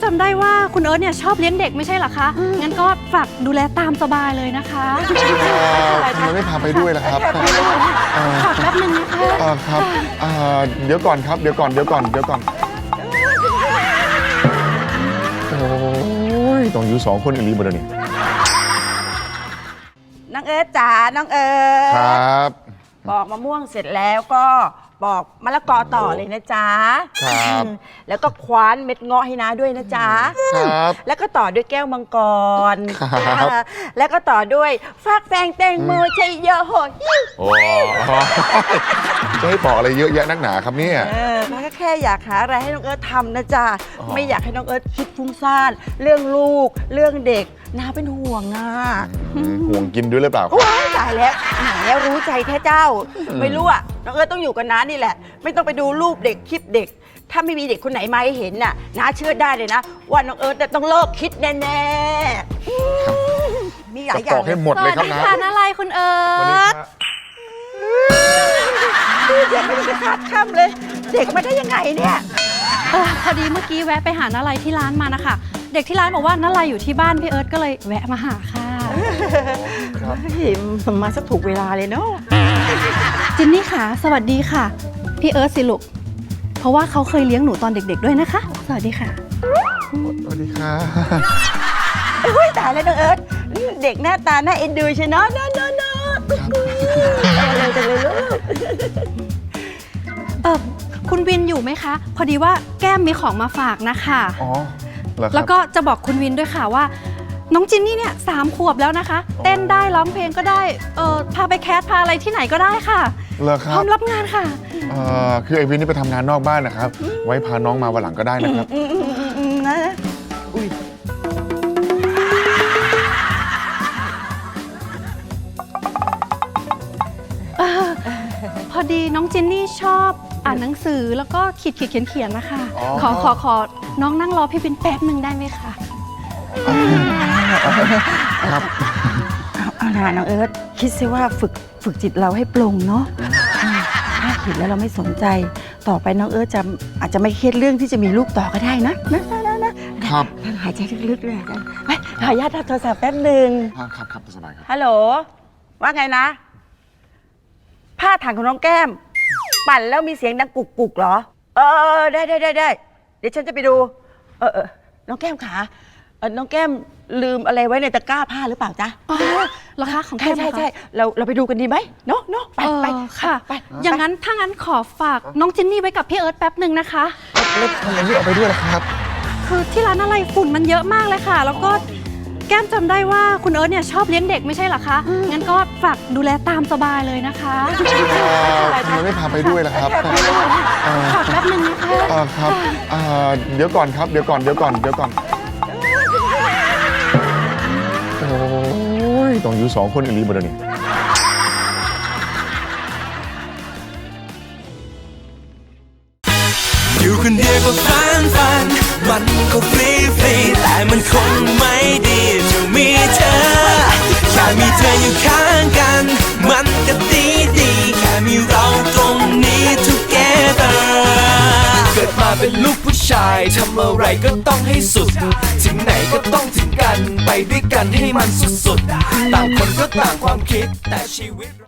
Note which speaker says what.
Speaker 1: ำได้ว่าคุณเอิร์ธเนี่ยชอบเลี้ยงเด็กไม่ใช่เหรอคะงั้นก็ฝากดูแลตามสบายเลยนะคะ
Speaker 2: ทำไมไม่พาไปด้วยล่ะครับ
Speaker 1: ขอแป๊บนึงนะคะ
Speaker 2: ครับเดี๋ยวก่อนครับเดี๋ยวก่อนโอ้ยต้องอยู่2 คนอีลีบนนี้
Speaker 3: น้องเอิร์ธจ๋าน้องเอิร์ธ
Speaker 2: ครับ
Speaker 3: ปอกมะม่วงเสร็จแล้วก็ปอกมะละกอต่อเลยนะจ๊ะ
Speaker 2: ครับ
Speaker 3: แล้วก็คว้านเม็ดเงาะให้น้าด้วยนะจ๊ะ
Speaker 2: ครับ
Speaker 3: แล้วก็ต่อด้วยแก้วมังกร
Speaker 2: ครับ
Speaker 3: แล้วก็ต่อด้วยฟักแฟงแตงโมชัยโยโห
Speaker 2: โอ้จะให้ปอกอะไรเยอะแยะนักหนาครับเนี่ย
Speaker 3: น้าก็แค่อยากหาอะไรให้น้องเอิร์ธทำนะจ๊ะไม่อยากให้น้องเอิร์ธคิดฟุ้งซ่านเรื่องลูกเรื่องเด็กน้าเป็นห่วงอ่ะ
Speaker 2: ห่วงกินด้วยหรือเปล่า
Speaker 3: ว้ายตายแล้วแล้วรู้ใจแท้เจ้าไม่รู้อ่ะน้องเอิร์ธต้องอยู่กับน้านี่แหละไม่ต้องไปดูรูปเด็กคลิปเด็กถ้าไม่มีเด็กคนไหนมาให้เห็นน่ะน้าเชื่อได้เลยนะว่าน้องเอิร์ธต้องเลิกคิดแน่ๆมีหลายอย่าง
Speaker 2: บอกให้หมดเลยครับนะ
Speaker 1: สวัสดีค่ะอะไรคุณเอิร์ธ
Speaker 3: เด็กไม่ได้คาดค่ำเลยเด็กมาได้ยังไงเนี่ย
Speaker 1: พอดีเมื่อกี้แวะไปหาน้าไลที่ร้านมานะคะเด็กที่ร้านบอกว่าน้าไลอยู่ที่บ้านพี่เอิร์ธก็เลยแวะมาหาค่ะ
Speaker 3: มาสักถูกเวลาเลยเนาะ
Speaker 1: จินนี่ค่ะสวัสดีค่ะพี่เอิร์ธสิลูกเพราะว่าเขาเคยเลี้ยงหนูตอนเด็กๆด้วยนะคะสวัสดีค่ะ
Speaker 2: สวัสดีค่ะ
Speaker 3: ตายแล้วน้องเอิร์ธเด็กหน้าตาน่าเอ็นดูใช่เนาะอะไรจังเลยลูก
Speaker 1: คุณวินอยู่ไหมคะพอดีว่าแก้มมีของมาฝากนะคะ
Speaker 2: อ๋อ
Speaker 1: แล้วก็จะบอกคุณวินด้วยค่ะว่าน้องจินนี่เนี่ย3 ขวบแล้วนะคะเต้นได้ร้องเพลงก็ได้พาไปแคสพาอะไรที่ไหนก็ได้ค่ะพร้อมรับงานค่ะ
Speaker 2: คือไอวินนี่ไปทำงานนอกบ้านนะครับไว้พาน้องมาวันหลังก็ได้นะครับ
Speaker 3: นะอุ้ย
Speaker 1: พอดีน้องจินนี่ชอบอ่านหนังสือแล้วก็เขียนนะคะขอน้องนั่งรอพี่วินแป๊บนึงได้ไหมคะ
Speaker 2: ครับ
Speaker 3: เอาล่ะน้องเอิร์ธคิดซะว่าฝึกจิตเราให้ปลงเนาะถ้าผิดแล้วเราไม่สนใจต่อไปน้องเอิร์ธอาจจะไม่เครียดเรื่องที่จะมีลูกต่อก็ได้นะครับหายใจลึกๆเลยไปขออนุญาตโทรศัพท์แป๊บนึง
Speaker 2: ครับสบายครับ
Speaker 3: ฮัลโหลว่าไงนะผ้าถังของน้องแก้มปั่นแล้วมีเสียงดังกุกเหรอได้เดี๋ยวฉันจะไปดูน้องแก้มขาน้องแก้มลืมอะไรไว้ในตะกร้าผ้าหรือเปล่าจ๊ะ
Speaker 1: เหรอคะของแก้ม
Speaker 3: ใช่เราไปดูกันดีไหมเนาะไป
Speaker 1: ค่ะอย่างนั้นถ้างั้นขอฝากน้องจินนี่ไว้กับพี่เอิร์ธแป๊บหนึ่งนะคะ
Speaker 2: แล้วทำไมไม่เอาไปด้วยล่ะครับ
Speaker 1: คือที่ร้านอะไรฝุ่นมันเยอะมากเลยค่ะแล้วก็แก้มจำได้ว่าคุณเอิร์ธเนี่ยชอบเลี้ยงเด็กไม่ใช่เหรอคะงั้นก็ฝากดูแลตามสบายเลยนะคะ
Speaker 2: ทำไมไม่พาไปด้วยล่ะครับ
Speaker 1: ขอแป๊บนึงนะคะ
Speaker 2: ครับเดี๋ยวก่อนครับเดี๋ยวก่อนโอ้ยต้องอยู่2 คนอีลีบนนี้
Speaker 4: อยู่คนเดียวก็ฟันมันก็ฟรีแต่มันคงไม่ดีจะมีเธอแค่มีเธออยู่ข้างกันมันก็ดีแค่มีเราตรงนี้ together เกิดมาเป็นลูกผู้ชายทำอะไรก็ต้องให้สุดถึงไหนก็ต้องถึงกันไปด้วยกันให้มันสุดๆต่างคนก็ต่างความคิดแต่ชีวิต